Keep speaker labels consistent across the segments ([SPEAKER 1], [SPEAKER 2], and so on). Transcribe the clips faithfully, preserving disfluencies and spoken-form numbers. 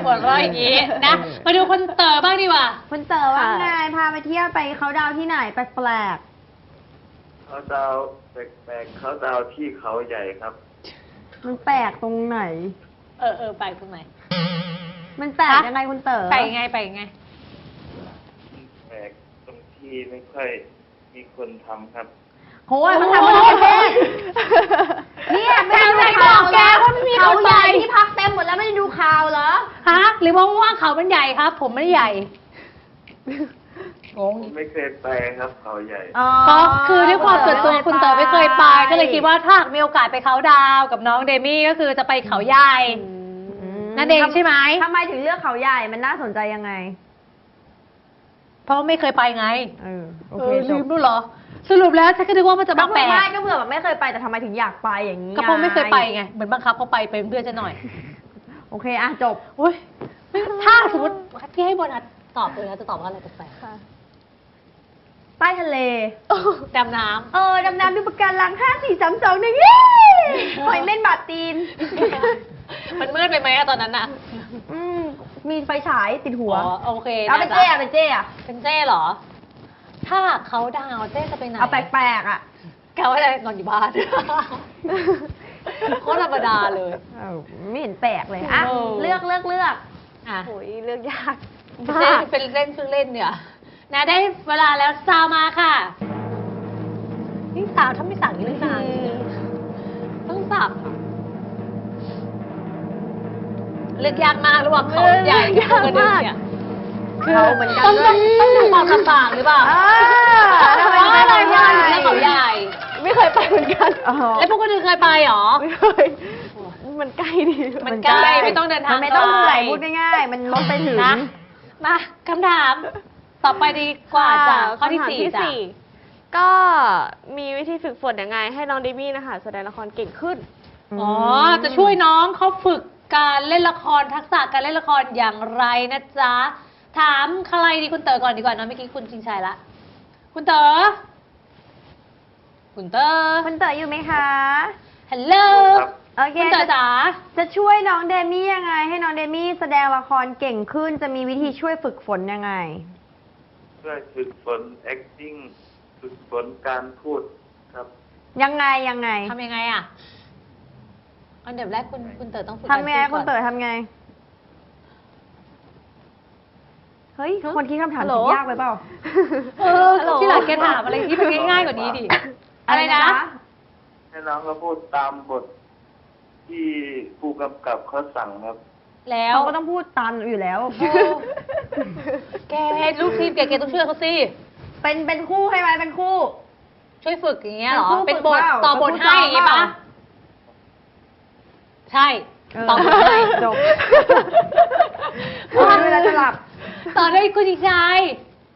[SPEAKER 1] หัวเราะอย่างนี้นะมาดูคนเต๋อบ้างดีกว่า
[SPEAKER 2] คุณเต๋อว่าไงพาไปเที่ยวไปเขาดาวที่ไหนแปลก
[SPEAKER 3] ๆเขาดาวแปลกๆเขาดาวที่เขาใหญ่ครับ
[SPEAKER 2] มันแปลกตรงไหน
[SPEAKER 1] เออเออแปลกตรงไหน
[SPEAKER 2] มันแปลกยังไงคุณเต๋อ
[SPEAKER 1] แปลกยังไงแปลกยังไง
[SPEAKER 3] แปลกตรงที่ไม่ค่อยมีคนทำครับ
[SPEAKER 2] โอ้ยมันทำมาประเทศเนี่ยไม่ได้ดูข่าวแกว่าไม่มีเขาใหญ่ที่พักเต็มหมดแล้วไม่ได้ดูข่าวเหรอ
[SPEAKER 1] ฮะหรือว่าว่าเขามันใหญ่ครับ ผมไม่ได้ใหญ่งง
[SPEAKER 3] ไม่เคยไปครับเขาใหญ่
[SPEAKER 1] ก็คือด้วยความส่วนตัวคุณเต๋อไม่เคยไปก็เลยคิดว่าถ้ามีโอกาสไปเขาดาวกับน้องเดมี่ก็คือจะไปเขาใหญ่นั่นเองใช่ไหม
[SPEAKER 2] ทำไมถึงเลือกเขาใหญ่มันน่าสนใจยังไง
[SPEAKER 1] เพราะไม่เคยไปไง
[SPEAKER 2] เออโอ
[SPEAKER 1] เคลืมรู้เหรอสรุปแล้วฉันก็นึกว่ามันจะมาแปลก
[SPEAKER 2] ไม่ก็เผื่อแบบไม่เคยไปแต่ทำไมถึงอยากไปอย่างนี้
[SPEAKER 1] ก็เพราะไม่เคยไปไงเหมือนบังคับเขาไปเป็นเพื่อนฉันหน่อย
[SPEAKER 2] โอเคอ่ะจบ
[SPEAKER 1] โอ้ยถ้าสมมติพี่ให้โบนัสตอบเลยนะจะตอบว่าอะไรแปลก
[SPEAKER 2] ใต้ทะเล
[SPEAKER 1] ดำน้ำ
[SPEAKER 2] เออดำน้ำดูปะการังห้าสี่สามสองหนึ่งหอยเม่นบาดตีน
[SPEAKER 1] มันมืดไปไหมอะตอนนั้นอะ
[SPEAKER 2] มีไฟฉายติดหัว
[SPEAKER 1] โอเค
[SPEAKER 2] เอาเป็นเจ้อะเป็นเจ้อะ
[SPEAKER 1] เป็นเจ้เหรอถ้าเขาดาวเจ้จะไปไหน
[SPEAKER 2] เอาแปลกๆอะ
[SPEAKER 1] แกว่าจะนอนอยู่บ้านโคตรธรรมดาเลย
[SPEAKER 2] ไม่เห็นแปลกเลยอ่ะเลือกเลือกเลือก
[SPEAKER 1] อ่ะ
[SPEAKER 2] โอ้ยเลือกยาก
[SPEAKER 1] เจ้เป็นเล่นเพิ่งเล่นเนี่ยนะได้เวลาแล้วซาวมาค่ะนี่สาวถ้าไม่สั่งนี่เรื่องนานต้องสับเลือกยากมากระหว่างเขาใหญ่กับกระดึ๊บเนี่ย
[SPEAKER 2] คือเหมือนกัน
[SPEAKER 1] ต้องต้องดูความลำบากหรือเปล่า
[SPEAKER 2] ทำไมไม่
[SPEAKER 1] ไปใหญ่แล้วเขาใหญ่
[SPEAKER 2] ไม่เคยไปเหมือนกัน
[SPEAKER 1] แล้วพวกกระดึ๊บเคยไปหรอ
[SPEAKER 2] ไม่เคยมันใกล้ดี
[SPEAKER 1] มันใกล้ไม่ต้องเดินทาง
[SPEAKER 2] ไม่ต้องไหลพูดง่ายๆมันรถไปถึง
[SPEAKER 1] มาคำถามต่อไปดีกว่าจ้ะข้อที่สี่จ้ะ
[SPEAKER 4] ก็มีวิธีฝึกฝนยังไงให้น้องเดมี่นะคะแสดงละครเก่งขึ้น
[SPEAKER 1] อ๋อจะช่วยน้องเขาฝึกการเล่นละครทักษะการเล่นละครอย่างไรนะจ๊ะถามใครดีคุณเต๋อก่อนดีกว่าเนาะเมื่อกี้คุณชิงชัยละคุณเต๋อคุณเต๋อ
[SPEAKER 2] คุณเต๋ออยู่ไหมคะ
[SPEAKER 1] ฮัลโหล
[SPEAKER 2] โอเคคุณเต๋อจ๋าจะช่วยน้องเดมี่ยังไงให้น้องเดมี่แสดงละครเก่งขึ้นจะมีวิธีช่วยฝึกฝนยังไง
[SPEAKER 3] ช่วยฝึกฝน acting ฝึกฝนการพูดครับ
[SPEAKER 2] ยังไงยังไง
[SPEAKER 1] ทำยังไงอ่ะอันดับแรกคุณคุณเต๋อต้องฝึก
[SPEAKER 2] ทำไงคุณเต๋อทำไงเฮ้ยคนคิดคำถามยากไปเปล่า
[SPEAKER 1] เออที่หลังแกถามอะไรที่มันง่ายๆกว่านี้ดิอะไรนะ
[SPEAKER 3] ให้น้องเขาพูดตามบทที่ผู้กำกับเขาสั่งครับ
[SPEAKER 1] แล้ว
[SPEAKER 2] เขาก็ต้องพูดตามอยู่แล้ว
[SPEAKER 1] แกลูกทีมแกแกต้องช่วยเขาสิ
[SPEAKER 2] เป็นเป็นคู่ให้ไหมเป็นคู่
[SPEAKER 1] ช่วยฝึกอย่างเงี้ยหรอเป็นบทต่อบทให้อย่างงี้ปะใช่ต่อบทให้จบ
[SPEAKER 2] ตอนเวลาจะหลับ
[SPEAKER 1] ต่อด้วยคุณชิงชัย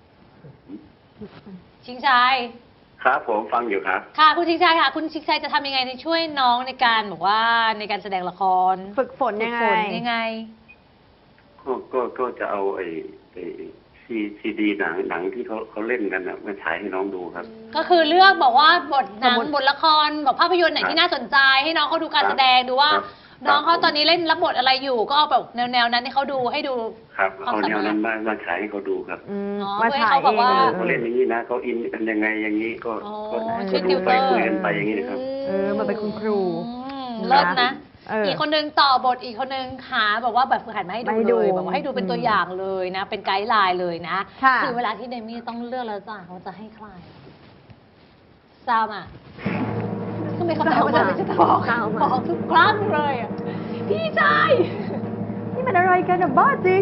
[SPEAKER 1] ชิงชัย
[SPEAKER 3] ครับผมฟังอยู่ครับ
[SPEAKER 1] ค่ะคุณชิงชัยค่ะคุณชิงชัยจะทำยังไงในช่วยน้องในการบอกว่าในการแสดงละคร
[SPEAKER 2] ฝึกฝนยังไง
[SPEAKER 1] ยังไง
[SPEAKER 3] ก็ก็ก็จะเอาไอ้ไอ้ซีซีดีหนังหนังที่เขาเขาเล่นกันนะมาฉายให้น้องดูครับ
[SPEAKER 1] ก็คือเลือกบอกว่าบทหนังบทละครบอกภาพยนตร์ไหนที่น่าสนใจให้น้องเขาดูการแสดงดูว่าน้องเขาตอนนี้เล่นรับบทอะไรอยู่ก็เอาแบบแนวๆนั้นให้เขาดูให้ดู
[SPEAKER 3] ครับเอาแนวนั้นมามาฉายให้เขาดูครับ
[SPEAKER 1] มาฉายเขาบอกว่า
[SPEAKER 3] เขาเล่นอย่างนี้นะเขาอินกันยังไงอย่างนี้ก็ก็ดูไปคุยกันไปอย่างนี้นะครับ
[SPEAKER 2] เออมาเป็นคุณครู
[SPEAKER 1] เลิศนะอีกคนนึงต่อบทอีกคนนึงหาบอกว่าแบบฝึกหัดมาให้ดูเลยบอกว่าให้ดูเป็นตัวอย่างเลยนะเป็นไกด์ไลน์เลยนะคือเวลาที่เดมี่ต้องเลือกแล้วจ้ะเขาจะให้ใครซามอ่ะก็ไม่เข้าใจว่าจะจะบอกบอกทุกครั้งเลยอ่ะพี่ชาย
[SPEAKER 2] นี่มันอะไรกันอ่ะบ้าจริง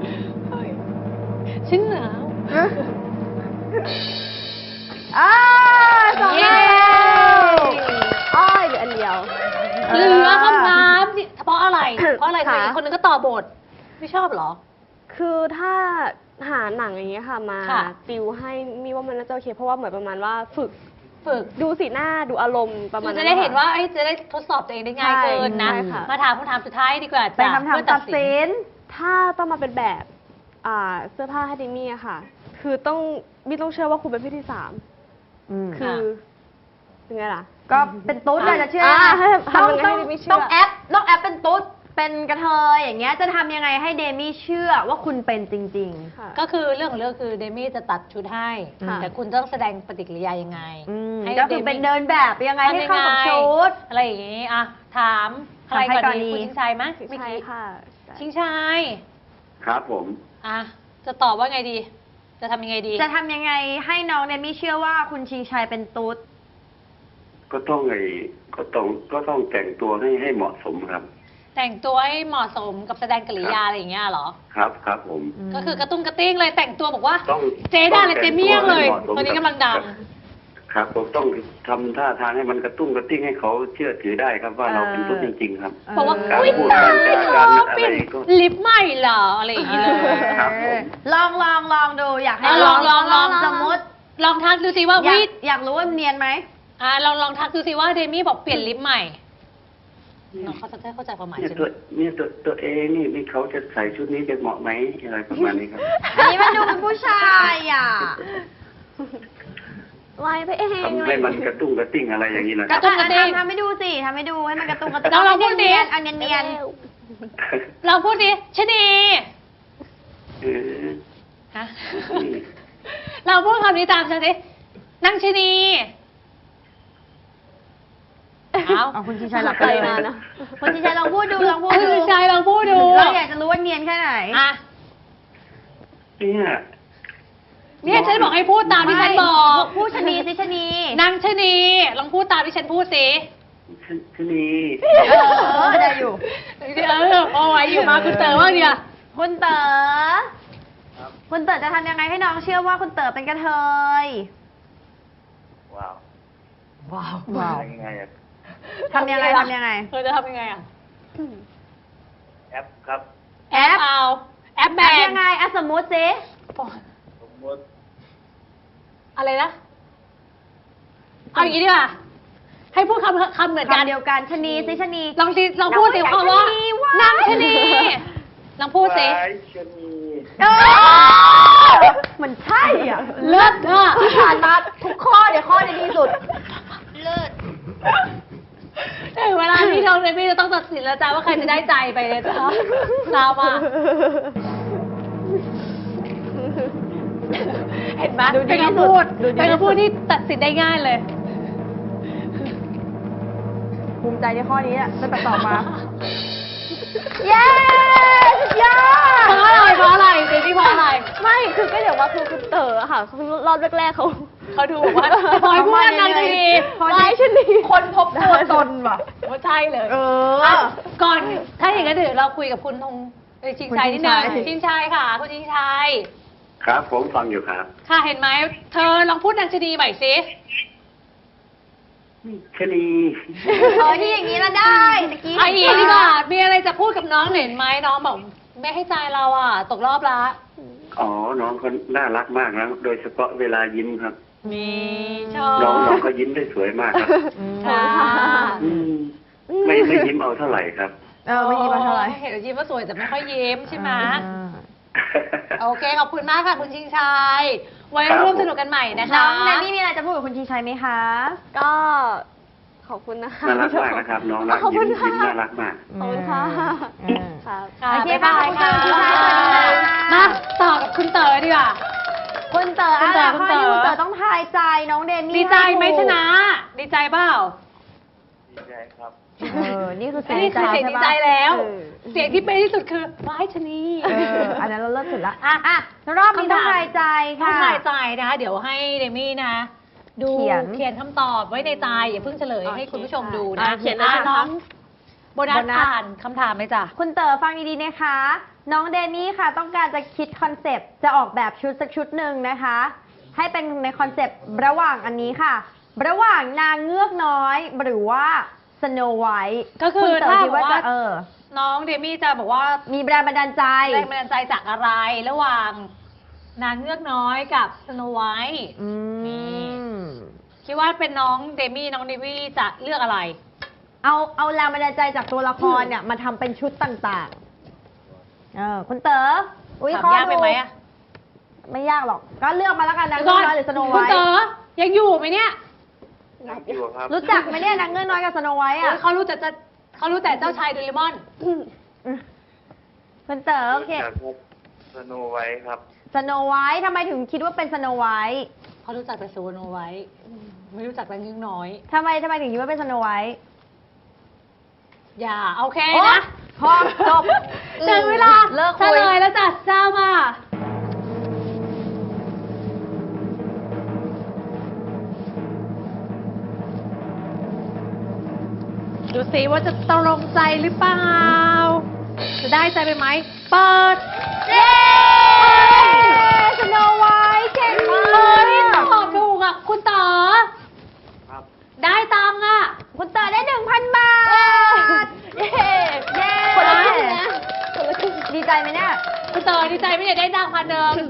[SPEAKER 1] ชิ้นหนาว
[SPEAKER 2] อ้าสองแล้ว
[SPEAKER 4] อ้อยเหลืออันเดียว
[SPEAKER 1] เหลือคำถามเพราะอะไรเพราะอะไรอีกคนนึงก็ต่อบทไม่ชอบหรอ
[SPEAKER 4] คือถ้าหาหนังอย่างเงี้ยค่ะมาติวให้มีว่ามันน่าจะโอเคเพราะว่าเหมือนประมาณว่าฝึกฝึกดูสีหน้าดูอารมณ์ประมาณ
[SPEAKER 1] จะได้เห็นว่าจะได้ทดสอบตัวเองได้ง่ายเกินนะมาถามคำถามสุดท้ายดีกว่า
[SPEAKER 2] เป็นคำถามตัดสิน
[SPEAKER 4] ถ้าต้องมาเป็นแบบเสื้อผ้าให้ดิมี่อะค่ะคือต้องมิต้องเชื่อว่าคุณเป็นพี่ที่สามคือยังไงล่ะ
[SPEAKER 2] ก็เป็นตุ๊ดเลยจะเชื่อต้องต้องต้องแอปต้องแอปเป็นตุ๊ดไปเป็นกระเทยอย่างเงี้ยจะทำยังไงให้เดมี่เชื่อว่าคุณเป็นจริง
[SPEAKER 4] ค่ะ
[SPEAKER 1] ก็คือเรื่องของเรื่องคือเดมี่จะตัดชุดให้
[SPEAKER 4] ค่ะ
[SPEAKER 1] แต่คุณต้องแสดงปฏิกิริยายังไง
[SPEAKER 2] ๆอืม
[SPEAKER 1] ให้
[SPEAKER 2] ก็คือเป็นเดินแบบยังไงให้เข้ากับชุด
[SPEAKER 1] อะไรอย่างงี้อ่ะถามใครก่อน
[SPEAKER 2] ถามใครก่อน
[SPEAKER 1] ดี
[SPEAKER 2] ดี
[SPEAKER 1] คุณชิงชัยไหมเมื่อ
[SPEAKER 4] ใช่
[SPEAKER 1] กี้
[SPEAKER 4] ค่ะ
[SPEAKER 1] ชิงชัย
[SPEAKER 3] ครับผม
[SPEAKER 1] อ่ะจะตอบว่าไงดี จะทำยังไงดี
[SPEAKER 2] จะทำยังไงให้น้องเดมี่เชื่อว่าคุณชิงชัยเป็นตุ๊ด
[SPEAKER 3] ก็ต้องไอ้ก็ต้องก็ต้องแต่งตัวให้ให้เหมาะสมครับ
[SPEAKER 1] แต่งตัวให้เหมาะสมกับแสดงกิริยาอะไรอย่างเงี้ยเหรอ
[SPEAKER 3] ครับครับผม
[SPEAKER 1] ก็คือกระตุ้งกระติ้งเลยแต่งตัวบอกว่า
[SPEAKER 3] ต้อง
[SPEAKER 1] เจ๊ได้เลยเจ๊เมี่ยงเลย
[SPEAKER 3] ต้องแต่งตัวให้เหมาะสม
[SPEAKER 1] ตอนนี้กำลังดัง
[SPEAKER 3] ครับผมต้องทำท่าทางให้มันกระตุ้งกระติ้งให้เขาเชื่อถือได้ครับว่าเราเป็นตุ๊ดจริงๆครับ
[SPEAKER 1] บอกว่า
[SPEAKER 3] การ
[SPEAKER 1] อุ้ย
[SPEAKER 3] พูด
[SPEAKER 1] ตาย
[SPEAKER 3] การ
[SPEAKER 1] เธ
[SPEAKER 3] การ
[SPEAKER 1] อ
[SPEAKER 3] อะไร
[SPEAKER 1] เปลี่ยน
[SPEAKER 3] ก็
[SPEAKER 1] ลิปใหม่เหรออะไรอย่างเงี้ยเลย
[SPEAKER 3] ครับผม
[SPEAKER 2] ลองลองลองดูอยากให้
[SPEAKER 1] อ่ะลองลองลอง
[SPEAKER 2] สมมติ
[SPEAKER 1] ลองทักดูสิว่า
[SPEAKER 2] อยา
[SPEAKER 1] วิ
[SPEAKER 2] กอยากรู้ว่าเนียนไหม
[SPEAKER 1] อ่ะลองลองทักดูสิว่าเดมี่บอกเปลี่ยนลิปใหม่น้องเขาจะได้เข้าใจความหมาย
[SPEAKER 3] เนี่ย
[SPEAKER 1] ใช่ไห
[SPEAKER 3] ตัว
[SPEAKER 1] ม
[SPEAKER 3] เนี่ยตัวตัวเองนี่นี่เขาจะใส่ชุดนี้จะเหมาะไหมอะไรประมาณนี้ครับ
[SPEAKER 2] อันนี้มันดูเป็นผู้ชายอ่ะ
[SPEAKER 4] ไล่ไปเอง
[SPEAKER 3] ทำให้มันกระตุ้งกระติ้งอะไรอย่างนี้นะ
[SPEAKER 1] ก
[SPEAKER 3] ครั
[SPEAKER 1] ระ
[SPEAKER 3] บ
[SPEAKER 1] ตุ้งกระติ้ง
[SPEAKER 2] ทำทำให้ดูสิทำให้ดูให้มันกระตุ้งกระตุ้ง
[SPEAKER 1] เราลองพูดดิ
[SPEAKER 2] อันเนียนเนียน
[SPEAKER 1] เราพูดดิชะนี
[SPEAKER 3] เออ
[SPEAKER 1] ฮะ
[SPEAKER 3] นี่
[SPEAKER 1] เราพูดคำนี้ตามฉันสินางชะนีเอา
[SPEAKER 2] เอาคุณชิงชัยหลับ
[SPEAKER 4] ไป
[SPEAKER 2] ไป
[SPEAKER 4] มา
[SPEAKER 2] มา
[SPEAKER 4] นะ
[SPEAKER 2] นะคุณชิงชัยลองพูดดูลองพูด
[SPEAKER 1] คุ
[SPEAKER 2] ดู
[SPEAKER 1] ณชายลองพูดดู
[SPEAKER 2] เราอยากจะรู้ว่าเนียนแค่ไหน
[SPEAKER 1] อ่ะ
[SPEAKER 3] เนี่ย
[SPEAKER 1] เนี่ยฉันบอกให้พูดตามที่ฉันบอก
[SPEAKER 2] พูดชะนีสิชะนี
[SPEAKER 1] นางชะนีลองพูดตามที่ฉันพูดสิ
[SPEAKER 3] ชชะนี
[SPEAKER 2] เออได้อยู่
[SPEAKER 1] เออเอาไว้อยู่มาคุณเต๋อว่าเนี่ย
[SPEAKER 2] คุณเต๋อคุณเต๋อจะทำยังไงให้น้องเชื่อว่าคุณเต๋อเป็นกระเทย
[SPEAKER 3] ว้าว
[SPEAKER 1] ว้าว
[SPEAKER 2] ว้าว
[SPEAKER 3] ยังไงอะ
[SPEAKER 2] ทำยังไงทำยังไง
[SPEAKER 1] เธอจะทำยังไงอ่ะ
[SPEAKER 3] แอปครับ
[SPEAKER 1] แอปเอาแอปแบ
[SPEAKER 2] แอบ
[SPEAKER 1] น
[SPEAKER 2] ยังไงอ่ะสมมุติสิ
[SPEAKER 3] สมมติ
[SPEAKER 1] อะไรนะเอาอย่างนี้ดีกว่าให้พูดคำคำเหมือนกัน
[SPEAKER 2] คำเดียวกันชะนีสิชะนี
[SPEAKER 1] ลองสิลองพูดสิคำว่า
[SPEAKER 2] นางชะนี
[SPEAKER 1] ลองพูดสิ
[SPEAKER 3] ว้ายชะนี
[SPEAKER 2] เออมันใช่อ่ะ
[SPEAKER 1] เลิศอ่ะ
[SPEAKER 2] ที่ผ่านมาทุกข้อเนี่ยข้อในดีสุด เลิศ
[SPEAKER 1] ถึงเวลาที่เราในพี่จะต้องตัดสินแล้วจ้าว่าใครจะได้ใจไปเลยจ้าเราอ่ะเห็นไหม
[SPEAKER 2] ดูดี
[SPEAKER 1] เป็น
[SPEAKER 2] ที่สุด
[SPEAKER 1] คำพูด
[SPEAKER 2] ดูดี
[SPEAKER 1] เป็น
[SPEAKER 2] ที่สุด
[SPEAKER 1] คำพูดที่ตัดสินได้ง่ายเลย
[SPEAKER 2] ภูมิใจในข้อนี้อ่ะตั้งแต่ตอบมา เย้สุดยอด
[SPEAKER 1] เพราะอะไรเพราะอะไรเดี๋ยวนี่เพราะอะไร
[SPEAKER 4] ไม่คือก็เดี๋ยวว่าคือคุณเต๋อค่ะคือรอบแรกๆเขา
[SPEAKER 1] เขาดูบอกว่าพลอยพูดนานๆที
[SPEAKER 2] พลอย
[SPEAKER 4] ไล่ชนี
[SPEAKER 2] คนพบตัวตนว่ะ
[SPEAKER 1] ว่าใช่เลย
[SPEAKER 2] เออ
[SPEAKER 1] ะก่อนถ้าอย่างนั้นเดี๋ยวเราคุยกับคุณธงเอ้ยชิงชัยนิดนึง
[SPEAKER 2] คุณชิงชัย
[SPEAKER 1] ชิงชัยค่ะ คุณชิงชัย
[SPEAKER 3] ครับผมฟังอยู่ครับ
[SPEAKER 1] ค่ะเห็นไหมเธอลองพูดนางชนีใหม่สิ
[SPEAKER 3] ชะนี
[SPEAKER 2] เออที่อย่างนี้ละได้ตะกี้
[SPEAKER 1] ไอ้อีดีกว่ามีอะไรจะพูดกับน้องเห็นไหมน้องบอกไม่ให้ใจเราอ่ะ ตกรอบละ
[SPEAKER 3] อ๋อ น้องเขาน่ารักมากนะ โดยเฉพาะเวลายิ้มครับ
[SPEAKER 1] มีชอบ
[SPEAKER 3] น้องน้องเขายิ้มได้สวยมากครับ
[SPEAKER 1] ค่ะ
[SPEAKER 3] อืมไม่ไม่ยิ้มเอาเท่าไหร่ครับ
[SPEAKER 2] เออไม่ยิ้มมาเท่าไหร่
[SPEAKER 1] เห็นยิ้มว่าสวยแต่ไม่ค่อยยิ้มใช่ไหม
[SPEAKER 2] อ่า
[SPEAKER 1] โอเคขอบคุณมากค่ะคุณชิงชัยไว้
[SPEAKER 3] ครับ
[SPEAKER 1] ร่วมสนุกกันใหม่นะคะ
[SPEAKER 2] น้องแนนนี่มีอะไรจะพูดกับคุณชิงชัยไหมคะ
[SPEAKER 4] ก็ขอบคุณนะคะ
[SPEAKER 3] น่ารักมากนะครับ น้องรัก
[SPEAKER 4] ขอบ
[SPEAKER 3] ยิ้
[SPEAKER 4] คุ
[SPEAKER 3] ม
[SPEAKER 4] ณค่ะ
[SPEAKER 3] ยิ้มน่ารักมาก
[SPEAKER 4] ขอบคุณค่ะ
[SPEAKER 2] อืม
[SPEAKER 4] ครับ
[SPEAKER 1] ค่ะ
[SPEAKER 2] โอเค
[SPEAKER 1] บ๊ายบายค่ะ
[SPEAKER 2] ขอบคุณค่ะสวัสดีค่ะ
[SPEAKER 1] มาต่อกับคุณเต๋อดีกว่า
[SPEAKER 2] คุณเต๋อ
[SPEAKER 1] คุณเต๋อ
[SPEAKER 2] อ่ะ
[SPEAKER 1] คุณ
[SPEAKER 2] ข้อ
[SPEAKER 1] เต๋อ
[SPEAKER 2] นี้คุณเต๋อต้องทายใจน้องเดมี่
[SPEAKER 1] ดีใจไหม
[SPEAKER 2] ถูก
[SPEAKER 1] ชนะ ดีใจเปล่า
[SPEAKER 3] ดีใจครับ
[SPEAKER 2] เออ นี่คือ
[SPEAKER 1] อั
[SPEAKER 2] เสีย
[SPEAKER 1] น
[SPEAKER 2] ง
[SPEAKER 1] นี้
[SPEAKER 2] ใจ
[SPEAKER 1] คือเสียง
[SPEAKER 2] ใช่
[SPEAKER 1] ดี
[SPEAKER 2] ปะ
[SPEAKER 1] ใจแล้ว
[SPEAKER 2] เออ
[SPEAKER 1] เสียงที่เป็นที่สุดคือว้ายชะนี
[SPEAKER 2] เออ อันนั้นเราเลิศสุดละอ่ะอ่ะรอบนี้ต้องทายใจ
[SPEAKER 1] ต้อ
[SPEAKER 2] ค่ะ
[SPEAKER 1] งทายใจนะคะเดี๋ยวให้เดมี่นะ ดู
[SPEAKER 2] เขียน
[SPEAKER 1] เขียนคำตอบไว้ในใจอย่าเพิ่งเฉลย
[SPEAKER 4] โอเค
[SPEAKER 1] ให้คุณผู้ชม
[SPEAKER 4] ค่ะ
[SPEAKER 1] ดูนะ
[SPEAKER 2] อ่ะเขียนเลย
[SPEAKER 1] อ่ะ
[SPEAKER 2] ใช่ไหม
[SPEAKER 1] น้อง
[SPEAKER 2] คะ
[SPEAKER 1] โบนัส
[SPEAKER 2] โบนัส
[SPEAKER 1] อ่านคำถามเลยจ้ะ
[SPEAKER 2] คุณเต๋อฟังดีๆนะคะ น้องเดมี่ค่ะ ต้องการจะคิดคอนเซปต์จะออกแบบชุดสักชุดหนึ่งนะคะ ให้เป็นในคอนเซปต์ระหว่างอันนี้ค่ะ ระหว่างนางเงือกน้อยหรือว่าสโนไวท์
[SPEAKER 1] ก็คือ
[SPEAKER 2] ณเต๋
[SPEAKER 1] ถ้า
[SPEAKER 2] คิดว่า
[SPEAKER 1] บอกว่า
[SPEAKER 2] จะเออ
[SPEAKER 1] น้องเดมี่จะบอกว่า
[SPEAKER 2] มีแรงบันดาลใจ
[SPEAKER 1] แรงบันดาลใจจากอะไร ระหว่างนางเงือกน้อยกับสโนไวท์
[SPEAKER 2] อื
[SPEAKER 1] นี่
[SPEAKER 2] ม
[SPEAKER 1] คิดว่าเป็นน้องเดมี่น้องเดมี่จะเลือกอะไร
[SPEAKER 2] เอาเอาแรงบันดาลใจจากตัวละครเนี่ยมาทำเป็นชุดต่างๆ เออคุณเต๋ออุ้ย
[SPEAKER 1] ถาม
[SPEAKER 2] ข้อย
[SPEAKER 1] ากไปไหมอะ
[SPEAKER 2] ไม่ยากหรอก ก็เลือกมาแล้วกันนางเงือกน้อยหรือสโน
[SPEAKER 1] คุ
[SPEAKER 2] ไว
[SPEAKER 1] ณ
[SPEAKER 2] ท์
[SPEAKER 1] เต๋อยังอยู่ไหมเนี่ย
[SPEAKER 3] อยู่ครับ
[SPEAKER 2] รู้จักไหมเนี่ยนางเงือกน้อยกับสโนไวท์
[SPEAKER 1] โอ๊
[SPEAKER 2] อ่ะ
[SPEAKER 1] ยเขารู้แต่จะเขารู้แต่เจ้าชายโดเรมอน
[SPEAKER 2] คุณเต๋อโอเค
[SPEAKER 5] จากสโนไวท์ครับ
[SPEAKER 2] สโนไวท์ทำไมถึงคิดว่าเป็นสโนไวท์
[SPEAKER 1] เขารู้จักแต่สโนไวท์ไม่รู้จักนางเงือกน้อย
[SPEAKER 2] ทำไมทำไมถึงคิดว่าเป็นสโนไวท์
[SPEAKER 1] อย่าโอเค
[SPEAKER 2] โอ๊ย
[SPEAKER 1] นะ
[SPEAKER 2] พอจบ
[SPEAKER 1] ถึงเวลา
[SPEAKER 2] เลิก
[SPEAKER 1] เฉ
[SPEAKER 2] คุย
[SPEAKER 1] ลยแล้วจ้ะเจ้ามาดูสิว่าจะตรงใจหรือเปล่า จะได้ใจไปไหม เปิด
[SPEAKER 2] เย้สโนไวท์เก่งมา
[SPEAKER 1] เฮ้ย
[SPEAKER 2] ก
[SPEAKER 1] ตอบถูกอ่ะ คุณเต๋อ
[SPEAKER 5] ครับ
[SPEAKER 1] ได้ตังค์อ่ะ
[SPEAKER 2] คุณเต๋อได้หนึ่งพันบาท
[SPEAKER 1] เย้
[SPEAKER 2] เย้
[SPEAKER 1] คนละครึ่งนะ
[SPEAKER 2] ดีใจไหมเนี่ย
[SPEAKER 1] คุณเต๋อดีใจไม่ได้ได้ตังค์พันเดิม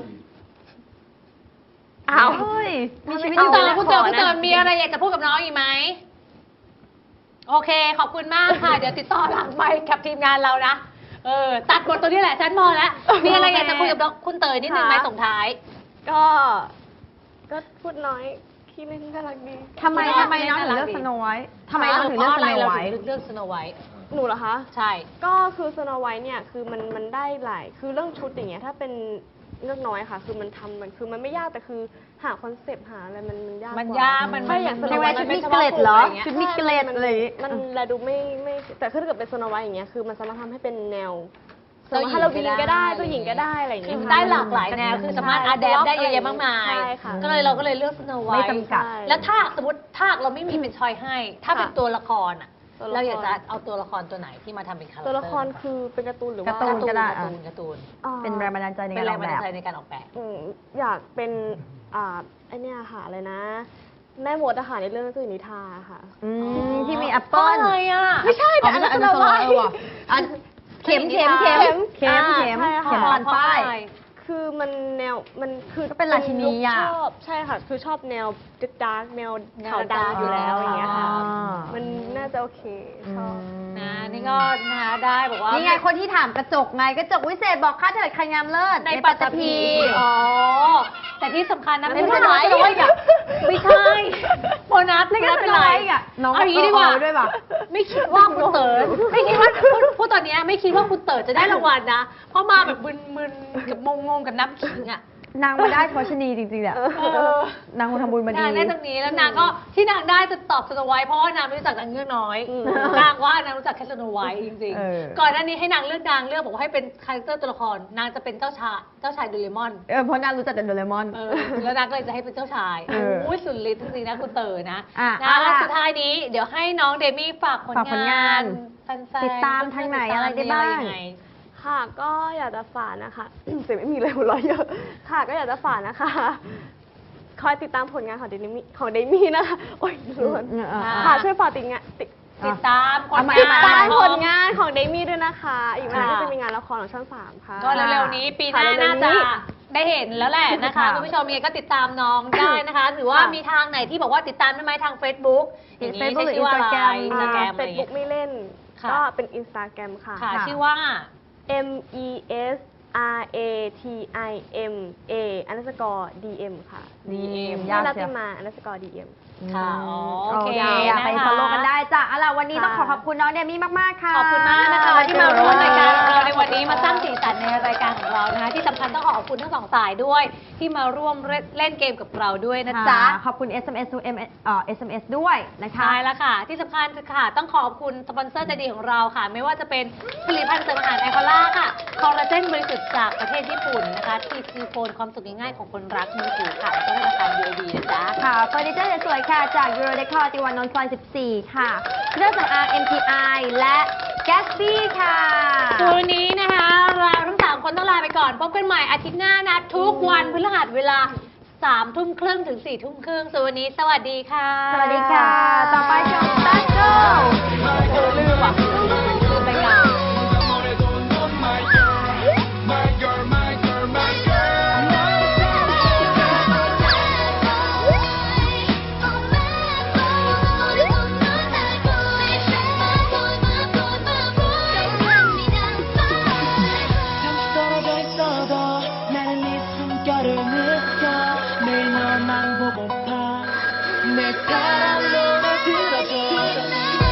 [SPEAKER 4] อ้าว
[SPEAKER 2] เฮ้ยมีชีวิต
[SPEAKER 1] คุณเต๋อ
[SPEAKER 2] อยู่
[SPEAKER 1] คุณเต๋อ
[SPEAKER 2] ข
[SPEAKER 1] คุณเต๋อ
[SPEAKER 2] นะ
[SPEAKER 1] มีอะไรอยากจะพูดกับน้องอีกไหม โอเค ขอบคุณมากค่ะ เดี๋ยวติดต่อหลังไมค์กับทีมงานเรานะ เออ ตัดบทตัวนี้แหละ ฉันมองแล้ว มีอะไรอยากจะคุยกับน้องคุณเต๋อนิดนึงไหม
[SPEAKER 4] ค่ะ
[SPEAKER 1] ส่งท้าย
[SPEAKER 4] ก็ ก็พูดน้อยขี้เล่นน่ารักดี
[SPEAKER 2] ทำไมทำไมน้องถึงเลือกสโนไวท์ทำไมน้องถึงเลือก
[SPEAKER 1] พ
[SPEAKER 2] ส
[SPEAKER 1] ราะะ
[SPEAKER 2] โน
[SPEAKER 1] ไร
[SPEAKER 2] ไว
[SPEAKER 1] เรา
[SPEAKER 2] ท์
[SPEAKER 1] ถึงเลือกสโนไวท์
[SPEAKER 4] หนูเหรอคะ
[SPEAKER 1] ใช่
[SPEAKER 4] ก็คือสโนไวท์เนี่ยคือมันมันได้หลายคือเรื่องชุดอย่างเงี้ยถ้าเป็นเลือกน้อยค่ะ คือมันทำมันคือมันไม่ยากแต่คือหาคอนเซปต์หาอะไรมันมันยาก
[SPEAKER 1] มัน
[SPEAKER 4] ว่
[SPEAKER 1] ยากมัน
[SPEAKER 4] ใช่อย่าง
[SPEAKER 1] มัน
[SPEAKER 4] สโนไวท์
[SPEAKER 2] ชุ
[SPEAKER 4] ชุ
[SPEAKER 2] ด
[SPEAKER 4] ด
[SPEAKER 2] มี
[SPEAKER 4] มี
[SPEAKER 2] เกล็ดเหรอ
[SPEAKER 1] ใช่
[SPEAKER 2] ชุดมีเกล็ดอะไรอย่างเงี้ย
[SPEAKER 4] มันแลดูไม่ไม่แต่ถ้าเกิดเป็นสโนไวท์อย่างเงี้ยคือมันสามารถทำให้เป็นแนว
[SPEAKER 1] เจ้าหญิง
[SPEAKER 4] ฮาโลวีน
[SPEAKER 1] ก็
[SPEAKER 4] ก็
[SPEAKER 1] ได้
[SPEAKER 4] ได้เจ้าหญิงก็ได้อะไรอย่าง
[SPEAKER 1] คื
[SPEAKER 4] เงี้
[SPEAKER 1] อย
[SPEAKER 4] ค่ะ
[SPEAKER 1] ได้หลากหลายแนว คือสามารถ
[SPEAKER 4] ใช่
[SPEAKER 1] อาแดปได้เยอะแยะมากมาย
[SPEAKER 4] ใช่ค่ะ
[SPEAKER 1] ก็เลยเราก็เลยเลือกสโนไว
[SPEAKER 2] ไม่
[SPEAKER 1] ท์
[SPEAKER 2] จำกัด
[SPEAKER 4] ใช่
[SPEAKER 1] แล้วถ้าสมมติถ้าเราไม่มีเป็นชอยให้ ถ้าเป็น
[SPEAKER 4] ค่ะ
[SPEAKER 1] ตัวละครอ่ะ
[SPEAKER 4] ตัวละคร
[SPEAKER 1] เราอยากจะเอาตัวละครตัวไหนที่มาทำเป็นคาแรคเตอร์
[SPEAKER 4] ตัวละครคือเป็นการ์ตูนหรือว่า
[SPEAKER 2] การ์ตูนก็ได้
[SPEAKER 1] การ์ตูนการ์ตูน
[SPEAKER 4] อ่า
[SPEAKER 2] เป็นแรงบันดาลใจใน
[SPEAKER 1] เป็น
[SPEAKER 2] การ
[SPEAKER 1] แร
[SPEAKER 2] อง อก
[SPEAKER 1] บัน
[SPEAKER 2] แบ
[SPEAKER 1] ดาล
[SPEAKER 2] บ
[SPEAKER 1] ใจในการออกแบบ
[SPEAKER 4] อืมอยากเป็นอ่าไอเนี่ยค่ะอะไรนะ แม่มดอาหารในเรื่องเจ้าหญิงนิทราค่ะ
[SPEAKER 2] อืมที่มีแอปเปิ้ล
[SPEAKER 1] อะไรอ่ะ
[SPEAKER 4] ไม่ใช่แต่อันนั้น
[SPEAKER 2] อัน
[SPEAKER 4] ส
[SPEAKER 2] นั้น
[SPEAKER 4] โนไวท์
[SPEAKER 2] เออว่ะอันเข็มเข็มเข็มเข็ม
[SPEAKER 4] อ่า
[SPEAKER 2] เข็ม
[SPEAKER 4] ใช่ค่ะ
[SPEAKER 2] เข็มพันป้าย
[SPEAKER 4] คือมันแนวมันคือ
[SPEAKER 2] ก็เป็นราชินีอะ
[SPEAKER 4] ชอบใช่ค่ะ คือชอบแนวดาร์กแนว
[SPEAKER 1] แนว
[SPEAKER 4] ขาวดำอยู่แล้วอย่างเงี้ยค่ะ
[SPEAKER 2] อ่า
[SPEAKER 4] มันน่าจะโอเคชอบ
[SPEAKER 1] นะนี่ก็นะคะได้บอกว่า
[SPEAKER 2] นี่ไงคนที่ถามกระจกไงกระจกวิเศษบอกค่าเถิดใครงามเลิศ
[SPEAKER 1] ในปัตตภีอ๋อ แต่ที่สำคัญนะ
[SPEAKER 2] ไม่
[SPEAKER 1] ไม่
[SPEAKER 2] ใช่
[SPEAKER 1] ใช่น้อย
[SPEAKER 2] น้อย
[SPEAKER 1] อ่ะไม่ใช่โบนัส
[SPEAKER 2] นี่ก็
[SPEAKER 1] ไม่
[SPEAKER 2] เป็
[SPEAKER 1] เป็น น
[SPEAKER 2] ไร
[SPEAKER 1] ไร
[SPEAKER 2] อ่ะน้อง
[SPEAKER 1] เอาอย่างนี้ดีกว่า
[SPEAKER 2] เอด้วยป่ะ
[SPEAKER 1] ไม่คิดว่าคุณเต๋อไม่คิดว่าพูดพูดตอนเนี้ยไม่คิดว่าคุณเต๋อจะได้รางวัลนะ เพราะมาแบบมึนๆกับงงๆกับน้ำขิงอ่ะ
[SPEAKER 2] นางมาได้เพราะชนีจริงๆแหละ
[SPEAKER 1] เออน
[SPEAKER 2] างมาทำบุญมาดี
[SPEAKER 1] นางได้ตรงนี้แล้วนางก็ที่นางได้จะตอบสโนไวท์เพราะว่านางไม่รู้จักนางเงือกน้อย
[SPEAKER 4] อืม
[SPEAKER 1] นางว่านางรู้จักแค่สโนไวท์จริง
[SPEAKER 2] เออ
[SPEAKER 1] ๆ ก่อนหน้านี้ให้นางเลือกนางเลือกบอกว่าให้เป็นคาแรคเตอร์ตัวละครนางจะเป็นเจ้าชายเจ้าชายโดเรมอน
[SPEAKER 2] เออเพราะนางรู้จักแต่โดเรมอน
[SPEAKER 1] เออแล้วนางก็เลยจะให้เป็นเจ้าชาย
[SPEAKER 2] เออ
[SPEAKER 1] โอ้ยสุดฤทธิ์จริงๆนะคุณเต๋อนะ
[SPEAKER 2] อ่ะ
[SPEAKER 1] นะ
[SPEAKER 2] เอา
[SPEAKER 1] แล้ว
[SPEAKER 2] ล่ะ
[SPEAKER 1] สุดท้ายนี้เดี๋ยวให้น้องเดมี่ฝากผล
[SPEAKER 2] ฝากผลงาน
[SPEAKER 1] แฟนๆ
[SPEAKER 2] ติดตามทางไหนอะไรได้บ้าง
[SPEAKER 1] มีอะรยัไ
[SPEAKER 4] ค่ะก็อยากจะฝากนะคะ เสียงไม่มีเลยหัวเราะเยอะค่ะก็อยากจะฝากนะคะ คอยติดตามผลงานของเดมี่ของเดมี่นะคะโอ้ยล้วน
[SPEAKER 2] อืมอ่า
[SPEAKER 4] ค่ะช่วยฝากติดงานติด
[SPEAKER 1] ติดตามผล
[SPEAKER 2] เอาใหม่
[SPEAKER 1] งา
[SPEAKER 4] ติด
[SPEAKER 1] น
[SPEAKER 4] ตาม
[SPEAKER 2] เอ
[SPEAKER 4] ผลงานของเดมี่ด้วยนะคะ อีกไม่นานก็
[SPEAKER 1] ค่ะ
[SPEAKER 4] จะมีงานละครของช่องสามค่ะ
[SPEAKER 1] ก็เร็วๆนี้ปีหน้า
[SPEAKER 4] ค่ะเร็
[SPEAKER 1] น่าว
[SPEAKER 4] ๆ
[SPEAKER 1] จะ
[SPEAKER 4] นี้
[SPEAKER 1] ได้เห็นแล้วแหละนะคะ
[SPEAKER 2] ค่ะ
[SPEAKER 1] คุณผู้ชมยังไงก็ติดตามน้องได้นะคะหรือว่า
[SPEAKER 2] ค่ะ
[SPEAKER 1] มีทางไหนที่บอกว่าติดตามได้ไหมทาง Facebook อย่างนี้
[SPEAKER 2] Facebook
[SPEAKER 1] ใช้ชื่อว่าอะไร
[SPEAKER 2] หรือ Instagram
[SPEAKER 1] อินสตาแกรม
[SPEAKER 4] เฟ
[SPEAKER 1] อะไร
[SPEAKER 4] ซ
[SPEAKER 1] อย่าง
[SPEAKER 4] บุ๊
[SPEAKER 1] เงี้
[SPEAKER 4] ก
[SPEAKER 1] ย
[SPEAKER 4] ไม่เล่น
[SPEAKER 1] ค่ะ
[SPEAKER 4] ก็เป็นอินสตาแกรมค่ะ
[SPEAKER 1] ค่ะ
[SPEAKER 2] ค่ะ
[SPEAKER 1] ชื่อว่า
[SPEAKER 4] M E S R A T I M A underscore D M ค่ะ
[SPEAKER 2] ดีเอ็ม
[SPEAKER 4] ยาย
[SPEAKER 2] าก
[SPEAKER 4] นั
[SPEAKER 2] เชี
[SPEAKER 4] ติ
[SPEAKER 2] ยว
[SPEAKER 4] มา underscore D M
[SPEAKER 1] ค่ะอ๋อโอเค
[SPEAKER 2] อยากไป
[SPEAKER 1] นะคะ
[SPEAKER 2] ฟอลโล่กันได้จ้ะเอาล่ะวันนี้ต้องขอ
[SPEAKER 4] ค่ะ
[SPEAKER 2] ขอบคุณน้องเดมี่มากๆค่ะ
[SPEAKER 1] ขอบคุณมากนะคะที่มาร่วมรายการของเราในวันนี้มาสร้างสีสันในรายการของเรานะคะที่สำคัญต้องขอขอบคุณทั้งสองฝ่ายด้วย ที่มาร่วมเล่นเกมกับเราด้วยนะจ๊ะ
[SPEAKER 2] ขอบคุณ เอส เอ็ม เอส เอ่อ เอส เอ็ม เอส ด้วยนะคะ
[SPEAKER 1] ใช่แล้วค่ะ ที่สำคัญค่ะต้องขอบคุณสปอนเซอร์ใจดีของเราค่ะ ไม่ว่าจะเป็นผลิตภัณฑ์เสริมอาหารไอคอล่าค่ะคอลลาเจนบริสุทธิ์จากประเทศญี่ปุ่นนะคะทีซีโฟนความสุขง่ายๆของคนรักมือถือค่ะแล้วก็ธนาคารยูโอบีนะจ๊ะ
[SPEAKER 2] ค่ะเฟอร์นิเจอร์สวยๆค่ะจาก Euro Decor ติวานนท์ซอยสิบสี่ค่ะเครื่องสำอาง เอ็ม ที ไอ และ Gatsby ค่ะ
[SPEAKER 1] วันนี้นะคะเราทั้งสามคนต้องลาไปก่อน พบกันใหม่อาทิตย์หน้านะ ทุกวันพฤหัสเวลาสามทุ่มครึ่งถึงสี่ทุ่มครึ่งส่วนวันนี้สวัสดีค่ะ
[SPEAKER 2] สวัสดีค่ะ ต่อไปชมตันโก
[SPEAKER 1] ลืมอ่ะ